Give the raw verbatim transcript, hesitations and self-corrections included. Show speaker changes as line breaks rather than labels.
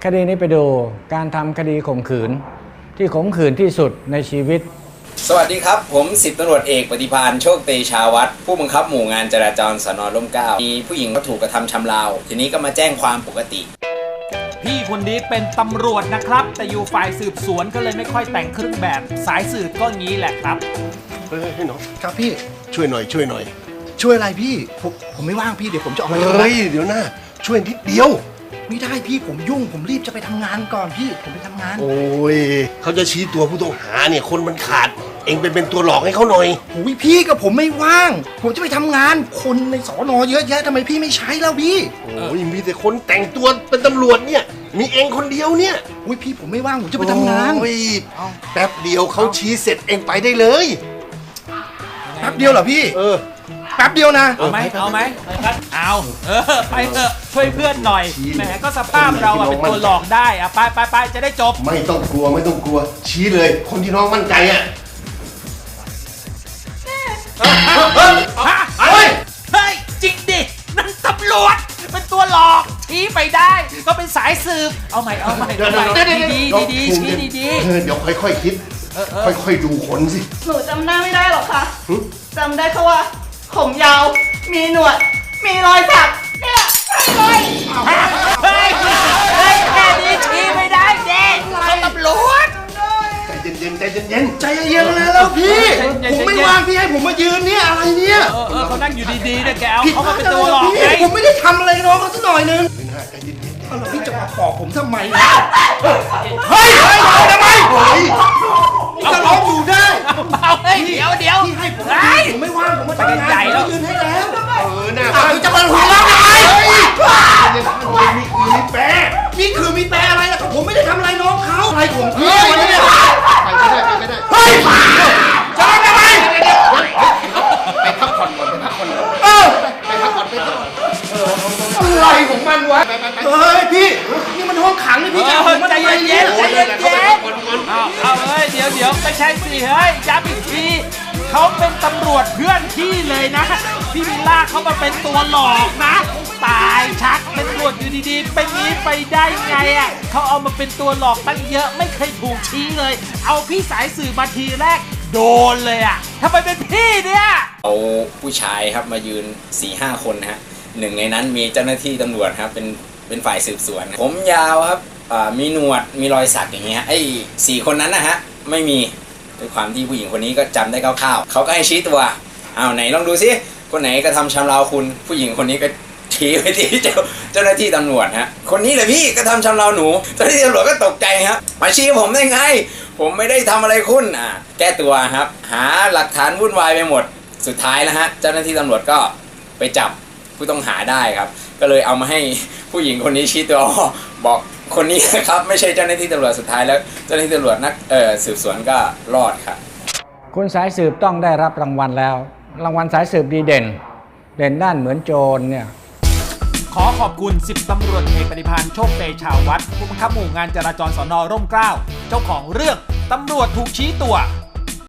คดีนี้ไปดูการทำคดีข่มขืนที่ข่มขืนที่สุดในชีวิต
สวัสดีครับผมสิบตำรวจเอกปฏิภาณโชคเตชาวัฒน์ผู้บังคับหมู่งานจราจรสน.ร่มเกล้ามีผู้หญิงก็ถูกกระทำชำเราทีนี้ก็มาแจ้งความปกติ
พี่คนนี้เป็นตำรวจนะครับแต่อยู่ฝ่ายสืบสวนก็เลยไม่ค่อยแต่งเครื่องแบบสายสืบก็งี้แหละครับ
เฮ้ยพี่น้อง
ครับพี่
ช่วยหน่อยช่วยหน่อย
ช่วยอะไรพี่ผมผมไม่ว่างพี่เดี๋ยวผมจะออกมา
เฮ้ยเดี๋ยวนะช่วยนิดเดียว
ไม่ได้พี่ผมยุ่งผมรีบจะไปทำงานก่อนพี่ผมไปทำงาน
โอ้ยเขาจะชี้ตัวผู้ต้องหาเนี่ยคนมันขาดเองเป็นเป็นตัวหลอกให้เขาหน่อย
โอ้ยพี่กับผมไม่ว่างผมจะไปทำงานคนในสอนอเยอะแยะทำไมพี่ไม่ใช้แล้วพี่
โอ้ยมีแต่คนแต่งตัวเป็นตำรวจเนี่ยมีเองคนเดียวเนี่ย
โอ้ยพี่ผมไม่ว่างผมจะไปทำงาน
โอ้ยแป๊บเดียวเขาชี้เสร็จเองไปได้เลย
แป๊บเดียวเหรอพี่
เออ
แป๊บเดียวนะ
เอาไหมเอาไหมเอาเออไปเถอะช่วยเพื่อนหน่อยแหมก็สภาพเราอะเป็นตัวหลอกได้อะไปไปไปจะได้จบ
ไม่ต้องกลัวไม่ต้องกลัวชี้เลยคนที่น้องมั่นใจอะ
เฮ้ยเฮ้ยจริงดินั่นตำรวจเป็นตัวหลอกชี้ไปได้ก็เป็นสายสืบเอาใหม่เอาใหม่เอาใหม่ดีดีดีชี้ดีดี
เดี๋ยวค่อยๆคิดค่อยๆดูคนสิ
หนูจำหน้าไม่ได้หรอกค่ะจำได้แค่ว่าผมยาวมีหนวดมีรอยสักเนี่ยใช่เลย
เฮ้ยเฮ้ยแค่นี้ชี้ไม่ได้เด็กเขาตำรวจ
ใจเย็นๆใจเย็นๆ
ใจเย็นๆแล้วพี่ผมไม่ว่างพี่ให้ผมมายืนเนี่ยอะไรเนี่ย
เออเออเขานั่งอยู่ดีๆเนี่ยแกเอาเขามาเป็นตัวหลอกไง
ผมไม่ได้ทำอะไรน้องเขาสักหน่อยนึง
ใจเย็นๆ
แล้วพี่จะมาปอกผมทำไมเฮ้ยเฮ้ยทำไมเฮ้ยจะร้องอยู่ได้
เอาเฮ้ยเดี๋ยวเดี๋ยว
พี่ให้ผมผมไม่ว่างผมมาทำงานผมยืนให้แล้ว
เออหน้า
คุณจะมาหัวเราะทำไม
นี่คือมีแปร
นี่คือมีแปรอะไรล่ะผมไม่ได้ทำอะไรน้องเขาอะไรของพี่เนี่ย
ไปไม่ได้ไปไม่ได้
เฮ้ยจะทำไม
ไปพักผ่อนก่อนไปพักผ่อนก่อน
เออ
ไปพักผ่อนไปพักผ่อน
อะไรของมันวะเฮ้ยพี่นี่มันห้องขังนี่พี่จะผม
ใจเย็นๆใจเย็นๆเอาเอาเฮ้ยเดี๋ยวเดี๋ยวไม่ใช่สิเฮ้ยย้ำอีกทีเขาเป็นตำรวจเพื่อนพี่เลยนะพี่วิลล่าเขามาเป็นตัวหลอกนะตายชักเป็นตำรวจอยู่ดีๆเป็นนี้ไปได้ไงอ่ะเขาเอามาเป็นตัวหลอกตั้งเยอะไม่เคยถูกชี้เลยเอาพี่สายสื่อมาทีแรกโดนเลยอ่ะทำไมเป็นพี่เนี่ย
เอาผู้ชายครับมายืน สี่ห้า คนฮะหนึ่งในนั้นมีเจ้าหน้าที่ตำรวจครับเป็นเป็นฝ่ายสืบสวนผมยาวครับมีหนวดมีรอยสักอย่างเงี้ยไอ้สี่คนนั้นนะฮะไม่มีด้วยความที่ผู้หญิงคนนี้ก็จำได้คร่าวๆเขาก็ให้ชี้ตัวเอาไหนลองดูซิคนไหนกระทำชำเราคุณผู้หญิงคนนี้ก็ชี้ไปที่เจ้าเจ้าหน้าที่ตำรวจฮะคนนี้แหละพี่กระทำชำเราหนูเจ้าหน้าที่ตำรวจก็ตกใจครับมาชี้ผมได้ไงผมไม่ได้ทำอะไรคุณอ่าแก้ตัวครับหาหลักฐานวุ่นวายไปหมดสุดท้ายแล้วฮะเจ้าหน้าที่ตำรวจก็ไปจับผู้ต้องหาได้ครับก็เลยเอามาให้ผู้หญิงคนนี้ชี้ตัวบอกคนนี้นะครับไม่ใช่เจ้าหน้าที่ตำรวจสุดท้ายแล้วเจ้าหน้าที่ตำรวจนักเอ่อสืบสวนก็รอดครับ
คุณสายสืบต้องได้รับรางวัลแล้วรางวัลสายสืบดีเด่นเด่นด้านเหมือนโจรเนี่ย
ขอขอบคุณสิบตำรวจเอกปฏิภาณโชคเตชาวัฒน์ผู้บังคับหมู่งานจราจรสน.ร่มเกล้าเจ้าของเรื่องตำรวจถูกชี้ตัว